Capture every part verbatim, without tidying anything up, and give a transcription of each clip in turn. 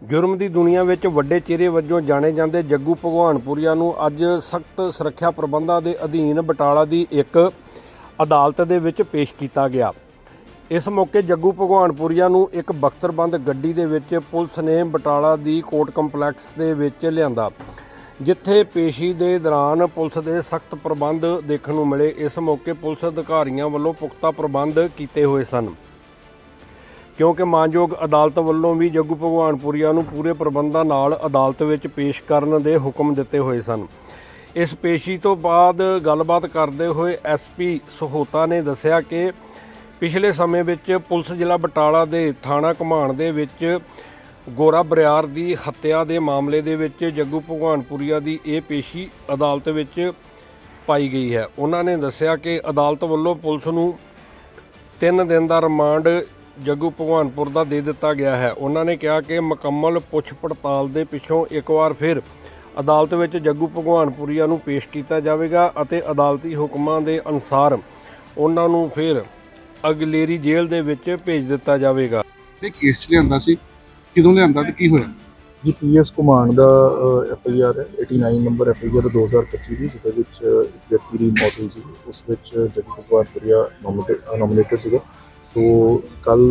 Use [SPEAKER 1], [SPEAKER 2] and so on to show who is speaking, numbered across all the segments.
[SPEAKER 1] जुर्म की दुनिया में वड्डे चेहरे वजों जाने जाते जग्गू भगवानपुरिया नूं अज सख्त सुरक्षा प्रबंधों के अधीन बटाला की एक अदालत दे विच पेश किया गया। इस मौके जग्गू भगवानपुरिया नूं एक बख्तरबंद गड्डी दे विच पुलिस ने बटाला की कोर्ट कंपलैक्स दे विच लिआंदा, जिथे पेशी के दौरान पुलिस के सख्त प्रबंध देखने को मिले। इस मौके पुलिस अधिकारियों वालों पुख्ता प्रबंध किए हुए सन, क्योंकि मानयोग अदालत वालों भी जग्गू भगवानपुरिया नूं पूरे प्रबंधों नाल अदालत विच पेश करने के हुक्म दिते हुए सन। इस पेशी तो बाद गलबात करते हुए एस पी सहोता ने दस्सिया कि पिछले समय विच पुलिस जिला बटाला के थाना घुमान दे विच गोरा बरियार की हत्या के मामले दे विच जग्गू भगवानपुरिया की यह पेशी अदालत विच पाई गई है। उन्होंने दस्सिया कि अदालत वालों पुलिस नूं तीन दिन का रिमांड जग्गू भगवानपुर का दे दिता गया है। उन्होंने कहा कि मुकम्मल पुछ पड़ताल के पिछों एक बार फिर अदालत में जग्गू भगवानपुरिया नूं पेश किया जाएगा और अदालती हुक्मां के अनुसार उन्होंने फिर अगलेरी जेल के विच भेज दिता जाएगा।
[SPEAKER 2] केस लिया सी किदों लिया ते की होया
[SPEAKER 3] जी पी एस घुमान का एफ आई आर है नवासी नंबर एफ आई आर दो हज़ार पच्ची की जिहदे विच एक व्यक्ति की मौत हुई सी। उस विच जग्गू भगवानपुरिया नॉमिनेटेड नॉमिनेटेड सीगा। तो कल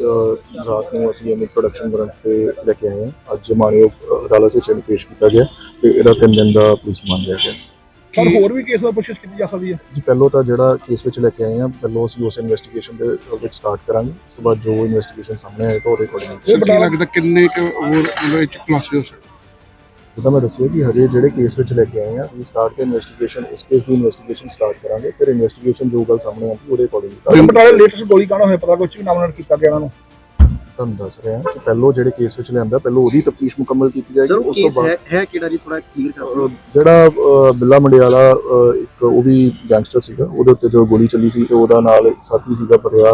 [SPEAKER 3] रात को असीं इहनूं प्रोडक्शन वारंट ते लैके आए हैं। अज मानयोग अदालत विच इहनूं पेश किया गया ते इहदा तीन दिन का पुलिस रिमांड लिया गया।
[SPEAKER 2] पर होर भी केस दा पुछताछ कीती जा सकदी है
[SPEAKER 3] जी पहलों तो जिहड़ा केस विच लैके आए हैं पहलों असीं उस इन्वेस्टिगेशन दे विच स्टार्ट करांगे। उस तो बाद जो इन्वेस्टिगेशन सामने आएगा ਉਹਦੇ अकॉर्डिंग
[SPEAKER 2] की लगदा किन्ने क होर मतलब इच खुलासे हो सकदे।
[SPEAKER 3] जिदा मैं दस्सिया कि हजे जिहड़े केस विच लैके आए हैं असीं स्टार्ट के इन्वेस्टिगेशन उस केस की इन्वेस्टिगेशन स्टार्ट करांगे। फिर इन्वेस्टिगेशन जो गल सामने आती ਉਹਦੇ अकॉर्डिंग
[SPEAKER 2] बटाले लेटेस्ट गोली कांड होया पता कुछ भी नामनर कीता गया इन्हां नूं
[SPEAKER 3] ਤੁਹਾਨੂੰ ਦੱਸ ਰਿਹਾ ਕਿ ਪਹਿਲੋਂ ਜਿਹੜੇ ਕੇਸ ਵਿੱਚ ਲਿਆਂਦਾ ਪਹਿਲੋਂ ਉਹਦੀ ਤਫਤੀਸ਼ ਮੁਕੰਮਲ ਕੀਤੀ ਜਾਏਗੀ। ਉਸ ਤੋਂ ਬਾਅਦ
[SPEAKER 4] ਹੈ ਕਿਹੜਾ ਜੀ ਥੋੜਾ ਕਲੀਅਰ ਕਰੋ।
[SPEAKER 3] ਜਿਹੜਾ ਅ, ਬਿੱਲਾ ਮੰਡਿਆਲਾ ਅ, ਇੱਕ ਉਹ ਵੀ ਗੈਂਗਸਟਰ ਸੀਗਾ, ਉਹਦੇ ਉੱਤੇ ਜੋ ਗੋਲੀ ਚੱਲੀ ਸੀ ਤੇ ਉਹਦਾ ਨਾਲ ਸਾਥੀ ਸੀਗਾ ਬਰਿਆੜ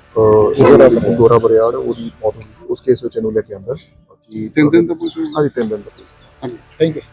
[SPEAKER 3] ਅ, ਗੋਰਾ ਬਰਿਆੜ, ਉਹਦੀ ਮੌਤ ਹੋਈ ਸੀ। ਉਸ ਕੇਸ ਵਿੱਚ ਇਹਨੂੰ ਲੈ ਕੇ ਆਂਦਾ। ਬਾਕੀ
[SPEAKER 2] ਤਿੰਨ ਦਿਨ ਦਾ ਪੁਲਿਸ
[SPEAKER 3] ਹਾਂਜੀ ਤਿੰਨ ਦਿਨ ਦਾ ਪੁਲਿਸ।
[SPEAKER 2] Thank you.